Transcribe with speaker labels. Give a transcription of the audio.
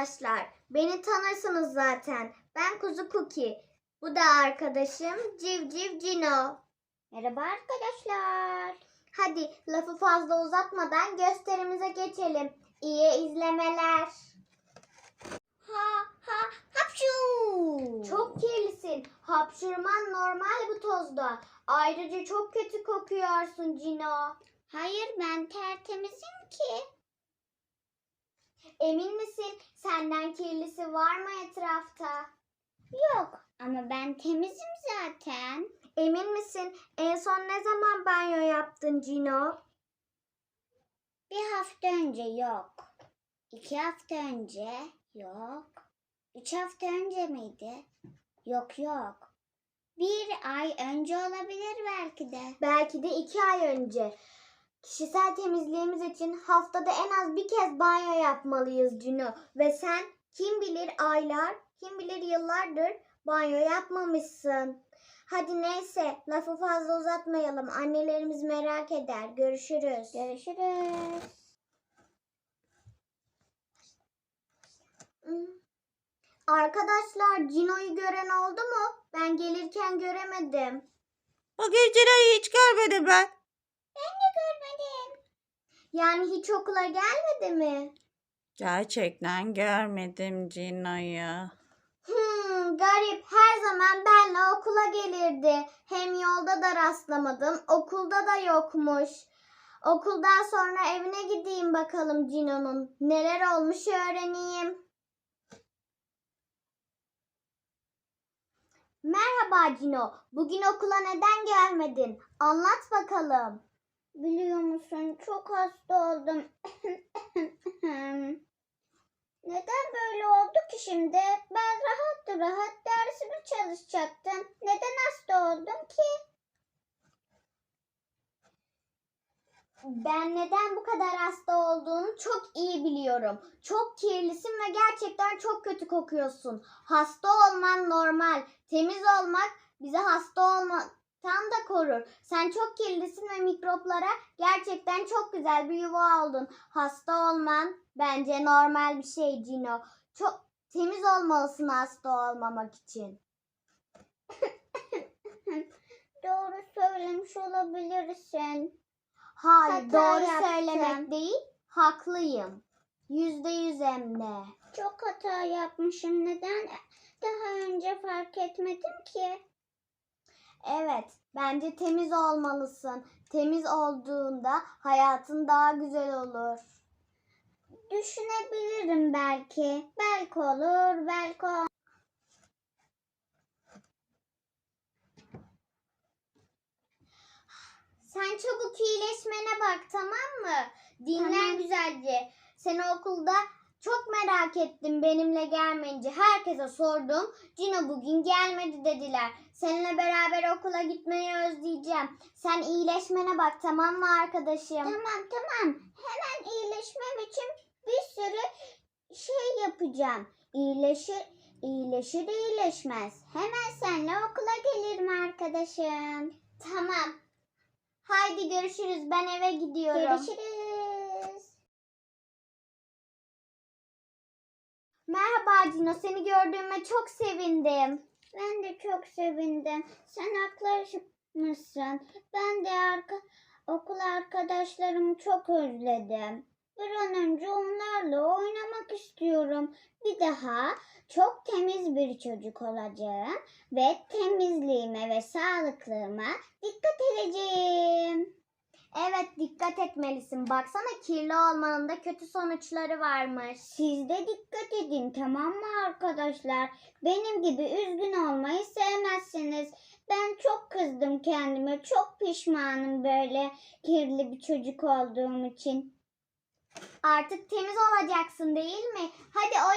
Speaker 1: arkadaşlar. Beni tanırsınız zaten. Ben Kuzu Cookie. Bu da arkadaşım Civciv Cino.
Speaker 2: Merhaba arkadaşlar.
Speaker 1: Hadi lafı fazla uzatmadan gösterimize geçelim. İyi izlemeler.
Speaker 2: Hapşu.
Speaker 1: Çok kirlisin. Hapşurman normal bu tozda. Ayrıca çok kötü kokuyorsun Cino.
Speaker 2: Hayır, ben tertemizim ki.
Speaker 1: Emin misin? Senden kirlisi var mı etrafta?
Speaker 2: Yok ama ben temizim zaten.
Speaker 1: Emin misin? En son ne zaman banyo yaptın Cino?
Speaker 2: Bir hafta önce yok. 2 hafta önce yok. 3 hafta önce miydi? Yok. 1 ay önce olabilir belki de.
Speaker 1: Belki de 2 ay önce. Kişisel temizliğimiz için haftada en az bir kez banyo yapmalıyız Cino. Ve sen kim bilir aylar, kim bilir yıllardır banyo yapmamışsın. Hadi neyse, lafı fazla uzatmayalım. Annelerimiz merak eder. Görüşürüz.
Speaker 2: Görüşürüz.
Speaker 1: Arkadaşlar, Cino'yu gören oldu mu? Ben gelirken göremedim.
Speaker 3: O geceleri hiç görmedim ben.
Speaker 2: Ben de görmedim.
Speaker 1: Yani hiç okula gelmedi mi?
Speaker 3: Gerçekten görmedim Cino'yu.
Speaker 1: Garip. Her zaman benle okula gelirdi. Hem yolda da rastlamadım. Okulda da yokmuş. Okuldan sonra evine gideyim bakalım Cino'nun. Neler olmuş öğreneyim. Merhaba Cino. Bugün okula neden gelmedin? Anlat bakalım.
Speaker 2: Biliyor musun, çok hasta oldum. Neden böyle oldu ki şimdi? Ben rahat dersimi çalışacaktım. Neden hasta oldum ki?
Speaker 1: Ben neden bu kadar hasta olduğunu çok iyi biliyorum. Çok kirlisin ve gerçekten çok kötü kokuyorsun. Hasta olman normal. Temiz olmak bizi hasta olmaktan da korur. Sen çok kirlisin ve mikroplara gerçekten çok güzel bir yuva oldun. Hasta olman bence normal bir şey Cino. Çok temiz olmalısın hasta olmamak için.
Speaker 2: Doğru söylemiş olabilirsin.
Speaker 1: Hayır,
Speaker 2: Hata
Speaker 1: doğru
Speaker 2: yaptım.
Speaker 1: söylemek değil, haklıyım. %100 hem de.
Speaker 2: Çok hata yapmışım. Neden daha önce fark etmedim ki?
Speaker 1: Evet, bence temiz olmalısın. Temiz olduğunda hayatın daha güzel olur.
Speaker 2: Düşünebilirim belki. Belki olur, belki olmaz.
Speaker 1: Sen çabuk iyileşmene bak, tamam mı? Dinlen
Speaker 2: Tamam.
Speaker 1: güzelce. Seni okulda çok merak ettim benimle gelmeyince. Herkese sordum. Cino bugün gelmedi dediler. Seninle beraber okula gitmeyi özleyeceğim. Sen iyileşmene bak, tamam mı arkadaşım?
Speaker 2: Tamam. Hemen iyileşmem için bir sürü şey yapacağım. İyileşir iyileşmez. Hemen seninle okula gelirim arkadaşım.
Speaker 1: Tamam. Haydi görüşürüz. Ben eve gidiyorum.
Speaker 2: Görüşürüz.
Speaker 1: Merhaba Cino. Seni gördüğüme çok sevindim.
Speaker 2: Ben de çok sevindim. Sen haklısın. Ben de okul arkadaşlarımı çok özledim. Bir an önce onlarla oynamak istiyorum. Bir daha çok temiz bir çocuk olacağım ve temizliğime ve sağlıklığıma dikkat edeceğim.
Speaker 1: Evet, dikkat etmelisin. Baksana, kirli olmanın da kötü sonuçları varmış.
Speaker 2: Siz de dikkat edin, tamam mı arkadaşlar? Benim gibi üzgün olmayı sevmezsiniz. Ben çok kızdım kendime. Çok pişmanım böyle kirli bir çocuk olduğum için.
Speaker 1: Artık temiz olacaksın değil mi? Hadi